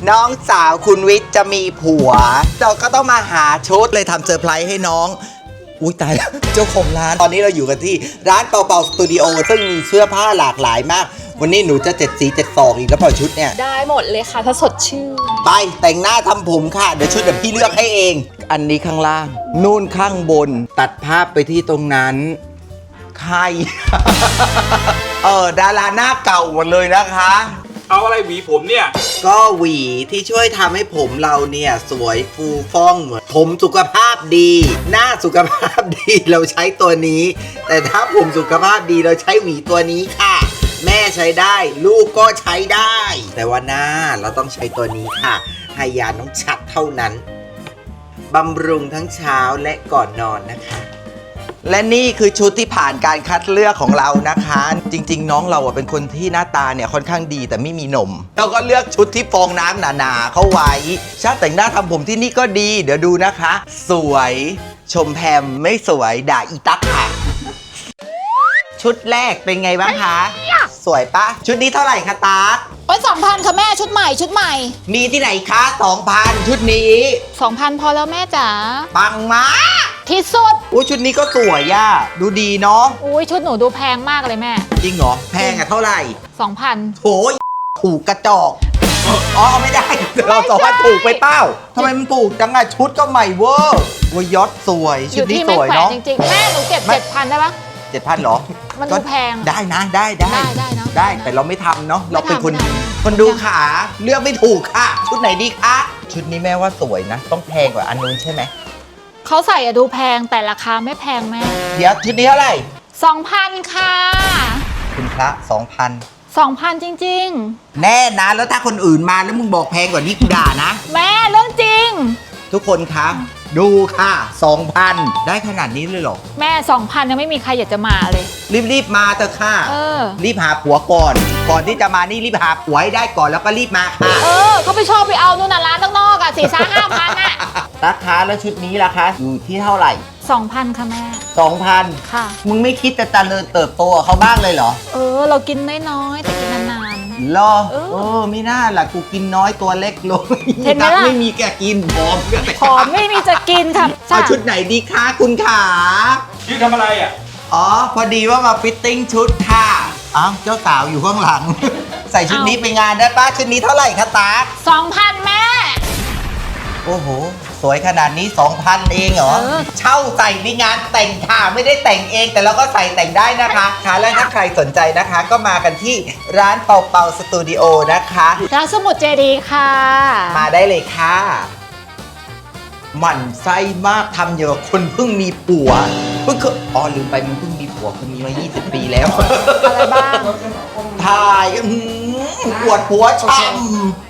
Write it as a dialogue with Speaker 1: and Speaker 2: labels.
Speaker 1: น้องสาวคุณวิทย์จะมีผัวเราก็ต้องมาหาชุดเลยทำเซอร์ไพรส์ให้น้องอุ้ยตายแล้วเจ้าของร้านตอนนี้เราอยู่กันที่ร้านเป่าเป่าสตูดิโอซึ่งมีเสื้อผ้าหลากหลายมากวันนี้หนูจะ7 สี7 ศอกอีกแล้วเปล่าชุดเนี่ย
Speaker 2: ได้หมดเลยค่ะถ้าสดชื่น
Speaker 1: ไปแต่งหน้าทำผมค่ะเดี๋ยวชุดเดี๋ยวพี่เลือกให้เองอันนี้ข้างล่างนู่นข้างบนตัดภาพไปที่ตรงนั้นใคร ดาราหน้าเก่าหมดเลยนะคะ
Speaker 3: เอาอะไรหวีผมเนี่ย
Speaker 1: ก็หวีที่ช่วยทำให้ผมเราเนี่ยสวยฟูฟ่องเหมือนผมสุขภาพดีหน้าสุขภาพดีเราใช้ตัวนี้ แต่ถ้าผมสุขภาพดีเราใช้หวีตัวนี้ค่ะแม่ใช้ได้ลูกก็ใช้ได้แต่ว่าหน้าเราต้องใช้ตัวนี้ค่ะไฮยาน้องชัดเท่านั้นบำรุงทั้งเช้าและก่อนนอนนะคะและนี่คือชุดที่ผ่านการคัดเลือกของเรานะคะจริงๆน้องเราเป็นคนที่หน้าตาเนี่ยค่อนข้างดีแต่ไม่มีนมเราก็เลือกชุดที่ฟองน้ำหนาๆเข้าไว้ช่างแต่งหน้าทำผมที่นี่ก็ดีเดี๋ยวดูนะคะสวยชมแพมไม่สวยด่าอีตั๊กค่ะชุดแรกเป็นไงบ้างคะสวยปะชุดนี้เท่าไหร่คะตั๊ก
Speaker 2: โอ้ย2,000ค่ะแม่ชุดใหม่
Speaker 1: มีที่ไหนคะ 2,000 ชุดนี้
Speaker 2: 2,000 พอแล้วแม่จ๋า
Speaker 1: ปังมาก
Speaker 2: ที่สุด
Speaker 1: อุ้ยชุดนี้ก็สวยย่าดูดีเนาะ
Speaker 2: อุ้ยชุดหนูดูแพงมากเลยแม่
Speaker 1: จริงเหรอแพงอะเท่าไหร่
Speaker 2: 2,000
Speaker 1: โถถูกกระจอกอ๋อไม่ได้เราสองพันถูกไปเป้าทำไมมันถูกจังอะชุดก็ใหม่เวอร์วยยอดสวยชุดนี้สวยเนาะ
Speaker 2: จริงๆแม่หนูเก็บ 7,000 ได้ปะ
Speaker 1: 7,000 เหรอ
Speaker 2: มันดูแพง
Speaker 1: ได้นะได้
Speaker 2: เนาะ
Speaker 1: ได้แต่เราไม่ทำเนาะเราเป็นคนดีคนดูขาเลือกไม่ถูกค่ะชุดไหนดีคะชุดนี้แม่ว่าสวยนะต้องแพงกว่าอันนู้นใช่ไหม
Speaker 2: เขาใส่อะดูแพงแต่ราคาไม่แพงแม่
Speaker 1: เดี๋ยวชุดนี้เท่าไหร่
Speaker 2: 2,000 ค่ะ
Speaker 1: คุณพระ 2,000
Speaker 2: จริง
Speaker 1: ๆแน่นะแล้วถ้าคนอื่นมาแล้วมึงบอกแพงกว่านี้กูด่านะ
Speaker 2: แม่เรื่องจริง
Speaker 1: ทุกคนคะดูค่ะ 2,000 ได้ขนาดนี้เลยเหรอ
Speaker 2: แม่ 2,000 ยังไม่มีใครอยากจะมาเลย
Speaker 1: รีบมาเถอะค่ะรีบหาผัวก่อนที่จะมานี่รีบหาผัวให้ได้ก่อนแล้วก็รีบมาค่ะ
Speaker 2: เขาไปชอบไปเอานู่นน่ะร้านข้างนอกอ่ะ4-5,000อ่ะ
Speaker 1: ราคาแล้วชุดนี้ล่ะคะอยู่ที่เท่าไหร่
Speaker 2: 2,000 ค่ะแม่
Speaker 1: 2,000
Speaker 2: ค่ะ
Speaker 1: มึงไม่คิดจะเจริญเติบโตกับเขาบ้างเลยเหรอ
Speaker 2: เรากินน้อยๆแต่กินนาน
Speaker 1: ๆเหรอไม่น่าล่ะกูกินน้อยตัวเล็กลง
Speaker 2: เห็นไหมล่ะ
Speaker 1: ไม่มีแกกินผอม
Speaker 2: ไม่มีจะกินค่ะ
Speaker 1: เอาชุดไหนดีคะคุณขา
Speaker 3: ยืนทำอะไรอ่ะ
Speaker 1: พอดีว่ามาฟิตติ้งชุดค่ะเจ้าสาวอยู่ข้างหลังใส่ชุดนี้ไปงานได้ป้าชุดนี้เท่าไหร่คะตา
Speaker 2: 2,000 แม่
Speaker 1: โอ้โหสวยขนาดนี้ 2,000 เองเหรอเช่าใส่ในงานแต่งค่ะไม่ได้แต่งเองแต่เราก็ใส่แต่งได้นะคะค่ะและถ้าใครสนใจนะคะก็มากันที่ร้านเป่าเป่าสตูดิโอนะคะ
Speaker 2: ร้านสมุดเจดีค่ะ
Speaker 1: มาได้เลยค่ะหมั่นไส้มากทำเยอะคนเพิ่งมีผัวเพิ่งลืมไปมึงเพิ่งมีผัวคนนี้มา20 ปีแล้ว
Speaker 2: อะไรบ้าง
Speaker 1: ถ่ายปวดหัวช้ำ